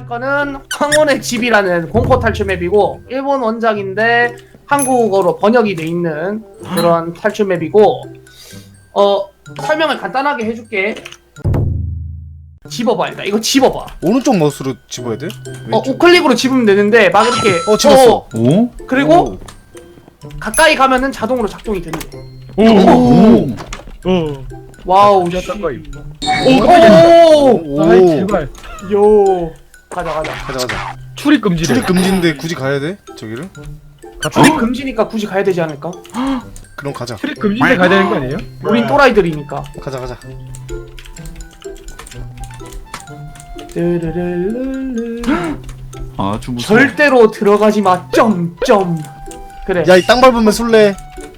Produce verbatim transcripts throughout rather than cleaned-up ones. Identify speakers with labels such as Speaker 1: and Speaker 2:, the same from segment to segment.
Speaker 1: 할 거는 황혼의 집이라는 공포 탈출 맵이고 일본 원작인데 한국어로 번역이 돼 있는 그런 탈출 맵이고 어 설명을 간단하게 해줄게. 집어봐 일단 이거 집어봐.
Speaker 2: 오른쪽 마우스로 집어야 돼?
Speaker 1: 어
Speaker 2: 왼쪽?
Speaker 1: 우클릭으로 집으면 되는데 막 이렇게
Speaker 2: 어 집었어.
Speaker 1: 어,
Speaker 3: 오?
Speaker 1: 그리고
Speaker 2: 오.
Speaker 1: 가까이 가면은 자동으로 작동이 된대.
Speaker 3: 오!
Speaker 4: 어.
Speaker 1: 와우
Speaker 4: 야,
Speaker 1: 씨.
Speaker 4: 깜짝이야.
Speaker 1: 오!
Speaker 2: 오.
Speaker 4: 아이 제발.
Speaker 1: 요 가자 가자.
Speaker 2: 가자 가자.
Speaker 4: 출입 금지래.
Speaker 2: 출입 금지인데 굳이 가야 돼? 저기를?
Speaker 1: 출입 금지니까 굳이 가야 되지 않을까?
Speaker 2: 그럼 가자.
Speaker 4: 출입 금지인데 가야 되는 거 아니에요?
Speaker 1: 우린 또라이들이니까.
Speaker 2: 가자 가자.
Speaker 1: 르르르르르.
Speaker 3: 아주 무서워.
Speaker 1: 절대로 들어가지 마. 점점. 그래.
Speaker 2: 야 이 땅 밟으면 술래.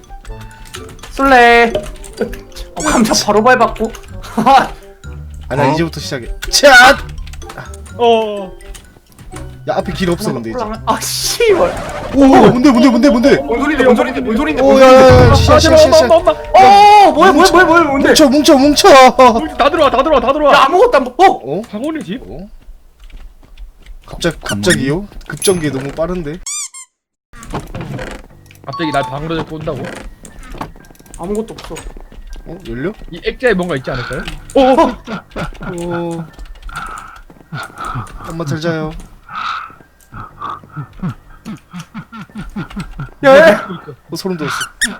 Speaker 1: 술래. 어, 감자 바로 밟았고.
Speaker 2: 아니야
Speaker 3: 어?
Speaker 2: 이제부터 시작해. 차!
Speaker 4: 어.
Speaker 2: 야 앞에 길 없어 근데 이제.
Speaker 1: 아 씨발.
Speaker 2: 오 뭔데 뭔데 뭔데 뭔데?
Speaker 1: 뭔 소리인데 뭔 소리인데 뭔 소리인데.
Speaker 2: 오 야야야 시작 시작 시작 시작.
Speaker 4: 엄마, 엄마,
Speaker 1: 어 뭐야 뭐야 뭐야 뭐야 뭔데?
Speaker 2: 뭉쳐 뭉쳐 뭉쳐.
Speaker 4: 엄마. 다 들어와, 다 들어와, 다
Speaker 1: 야
Speaker 4: 들어와.
Speaker 1: 아무것도 안 보. 어?
Speaker 2: 어?
Speaker 4: 황혼의 집?
Speaker 2: 어? 갑작 갑자기요? 급전개 너무 빠른데?
Speaker 4: 갑자기 날 방으로 데리고 온다고?
Speaker 1: 아무것도 없어.
Speaker 2: 어 열려?
Speaker 4: 이 액자에 뭔가 있지 않을까요? 어.
Speaker 2: 오. 엄마 잘 자요.
Speaker 1: 야, 야.
Speaker 2: 어 소름 돋았어.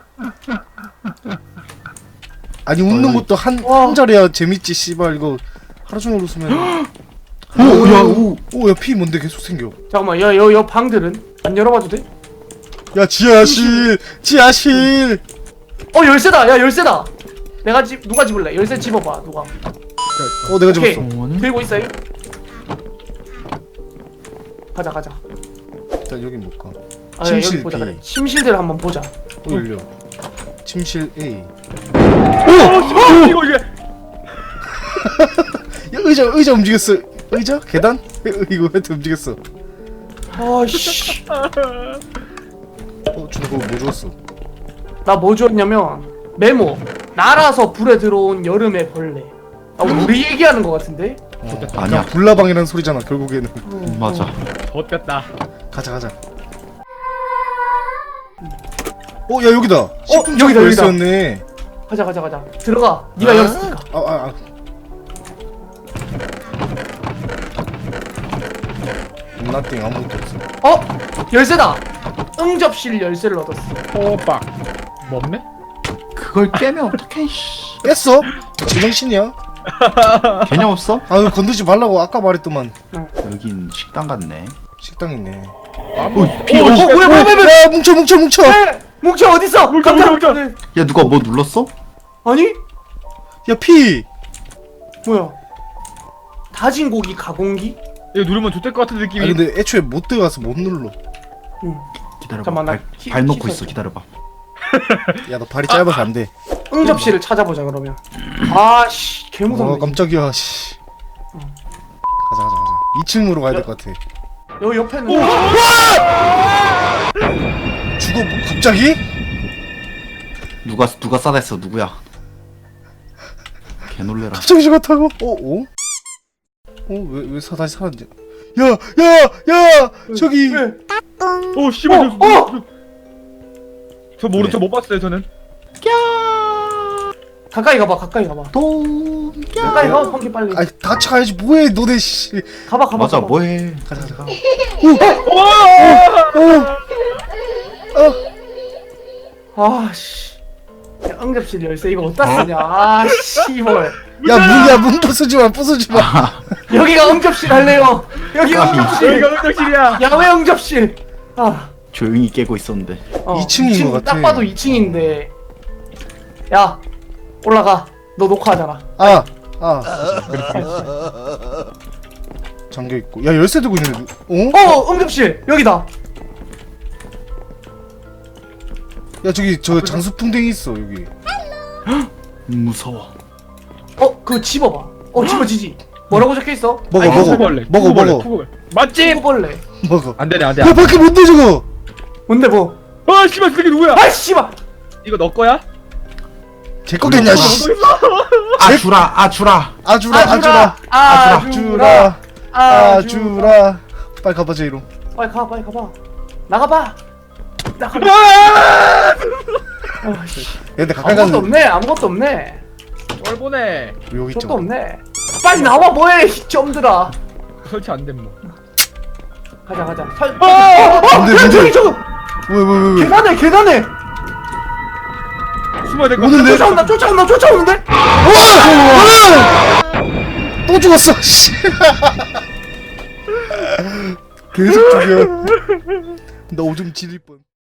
Speaker 2: 아니 웃는 것도 한,
Speaker 1: 와.
Speaker 2: 한 자리야 재밌지 씨발 이거 하루 종일 웃으면
Speaker 3: 오, 야, 오.
Speaker 2: 오야 피 뭔데 계속 생겨.
Speaker 1: 잠깐만 야여 여 방들은 안 열어봐도 돼?
Speaker 2: 야 지하실 지하실.
Speaker 1: 어 열쇠다. 야 열쇠다. 내가 집 누가 집을래? 열쇠 집어봐 누가.
Speaker 2: 어 내가
Speaker 1: 오케이.
Speaker 2: 집었어.
Speaker 3: 어머니?
Speaker 1: 들고 있어요. 가자 가자.
Speaker 2: 일단 여기 못 가.
Speaker 1: 아,
Speaker 2: 침실
Speaker 1: 여기 보자
Speaker 2: B.
Speaker 1: 그래. 침실들 한번 보자.
Speaker 2: 어 열려. 침실 A.
Speaker 4: 어, 이거 이게.
Speaker 2: 야 의자 의자 움직였어. 의자? 계단? 이거 왜 움직였어?
Speaker 1: 아씨.
Speaker 2: 어 준호 그거 뭐 주웠어?
Speaker 1: 나 뭐 주었냐면 메모. 날아서 불에 들어온 여름의 벌레. 아 우리 얘기하는 거 같은데?
Speaker 2: 어,
Speaker 3: 아니야.
Speaker 2: 그냥 불나방이라는 소리잖아 결국에는.
Speaker 3: 음, 맞아.
Speaker 4: 좆됐다.
Speaker 2: 가자 가자. 어 야 여기다. 어
Speaker 1: 여기다, 여기다.
Speaker 2: 였네.
Speaker 1: 가자 가자 가자. 들어가. 네가 열었으니까.
Speaker 2: 아 아 아. 나띵 아무것도 없어.
Speaker 1: 어? 열쇠다. 응접실 열쇠를 얻었어.
Speaker 4: 호박. 먹네?
Speaker 3: 그걸 깨면 어떡해, 씨.
Speaker 2: 깼어? 제정신이야?
Speaker 3: 개념 없어?
Speaker 2: 아유 건드지 말라고 아까 말했더만.
Speaker 3: 여긴 식당 같네.
Speaker 2: 식당 있네.
Speaker 3: 오, 피,
Speaker 1: 어,
Speaker 3: 어,
Speaker 1: 어, 뭐야 뭐야 뭐야 뭐야.
Speaker 2: 야 뭉쳐 뭉쳐 뭉쳐.
Speaker 1: 에, 뭉쳐 어딨어?
Speaker 4: 뭉쳐,
Speaker 1: 깜짝-
Speaker 4: 뭉쳐,
Speaker 1: 네.
Speaker 3: 야, 누가 뭐 눌렀어?
Speaker 1: 아니?
Speaker 2: 야 피.
Speaker 1: 뭐야? 다진 고기 가공기?
Speaker 4: 이거 누르면 좆될 것 같은
Speaker 2: 아
Speaker 4: 느낌이.
Speaker 2: 근데 애초에 못 들어가서 못 눌러.
Speaker 1: 응.
Speaker 3: 기다려봐.
Speaker 1: 잠깐만, 나
Speaker 3: 발,
Speaker 1: 키-
Speaker 3: 발 놓고
Speaker 1: 키
Speaker 3: 있어, 기다려봐.
Speaker 2: 야 너 발이 짧아서 안 돼.
Speaker 1: 응접실을 찾아보자 그러면. 아씨 개무섭네.
Speaker 2: 어 깜짝이야 씨. 가자 가자 가자. 이 층으로 가야 될 것 같아.
Speaker 1: 여기 옆에는
Speaker 2: 죽어 뭐, 갑자기?
Speaker 3: 누가, 누가 싸댔어, 누구야? 개 놀래라.
Speaker 2: 갑자기 죽었다고? 어? 어? 어? 왜, 왜 사, 다시 살았지? 야! 야! 야! 저기!
Speaker 1: 왜?
Speaker 4: 오 씨발.
Speaker 1: 어,
Speaker 4: 저,
Speaker 1: 어!
Speaker 4: 저 모르
Speaker 3: 네.
Speaker 4: 저못 봤어요 저는.
Speaker 1: 가까이 가봐 가까이 가봐.
Speaker 3: 돈.
Speaker 1: 가까이 가 펑키 빨리.
Speaker 2: 아이 같이 가야지 뭐해 너네 씨.
Speaker 1: 가봐 가봐.
Speaker 3: 맞아,
Speaker 1: 가봐.
Speaker 3: 뭐해.
Speaker 2: 가자 가자 가자.
Speaker 1: 아씨. 야, 응접실 열쇠 이거 어디다 쓰냐? 아 씨발.
Speaker 2: 야 문이야 문 부수지마 부수지마.
Speaker 1: 여기가 응접실 할래요. 여기 응접실.
Speaker 4: 여기가 응접실이야.
Speaker 1: 야외 응접실. 아.
Speaker 3: 조용히 깨고 있었는데.
Speaker 1: 어,
Speaker 2: 이 층인
Speaker 1: 이 층
Speaker 2: 것 같아.
Speaker 1: 딱 봐도 이 층인데. 야 올라가. 너 녹화하잖아.
Speaker 2: 아! 아 잠겨있고 야 열쇠 들고 있는데 어?
Speaker 1: 어 응접실 여기다.
Speaker 2: 야 저기 저 장수풍뎅이 있어 여기.
Speaker 3: 무서워.
Speaker 1: 어 그거 집어봐. 어 집어지지. 뭐라고 적혀있어?
Speaker 2: 먹어
Speaker 1: 아니,
Speaker 2: 먹어
Speaker 4: 쿠구벌레.
Speaker 2: 먹어
Speaker 4: 쿠구벌레,
Speaker 2: 먹어
Speaker 4: 쿠구벌레. 맛집.
Speaker 1: 쿠구벌레.
Speaker 2: 먹어.
Speaker 4: 안 되네 안 돼.
Speaker 2: 야 밖에 뭔데 저거.
Speaker 1: 뭔데 뭐?
Speaker 4: 아 씨발 그게 누구야?
Speaker 1: 아 씨발.
Speaker 4: 이거 너 거야?
Speaker 2: 제 거겠냐 씨.
Speaker 3: 아, 주라, 아, 주라.
Speaker 2: 아주라
Speaker 1: 아주라
Speaker 2: 아주라
Speaker 1: 아주라
Speaker 2: 아주라 아주라. 빨리 가봐 제이로.
Speaker 1: 빨리 가 빨리 가봐. 나가봐. 나가봐. 어, 씨.
Speaker 2: 근데 가까이
Speaker 1: 아무것도
Speaker 2: 가는
Speaker 1: 없네. 아무것도 없네.
Speaker 4: 뭘 보내.
Speaker 2: 여기
Speaker 1: 저것도
Speaker 2: 있죠.
Speaker 1: 없네. 빨리 나와 뭐해 이 점들아.
Speaker 4: 설치 안 됨 뭐.
Speaker 1: 가자 가자. 살.
Speaker 4: 어!
Speaker 1: 어,
Speaker 2: 뭔데,
Speaker 1: 야,
Speaker 2: 뭔데?
Speaker 1: 저기 저기
Speaker 2: 왜 왜 왜 왜?
Speaker 1: 계단에 계단에
Speaker 4: 숨어야 될 것
Speaker 2: 오는데?
Speaker 4: 같아.
Speaker 1: 쫓아온다 쫓아온다 쫓아오는데.
Speaker 2: 또 죽었어. 씨. 계속 죽여. 나 오줌 지릴 뻔.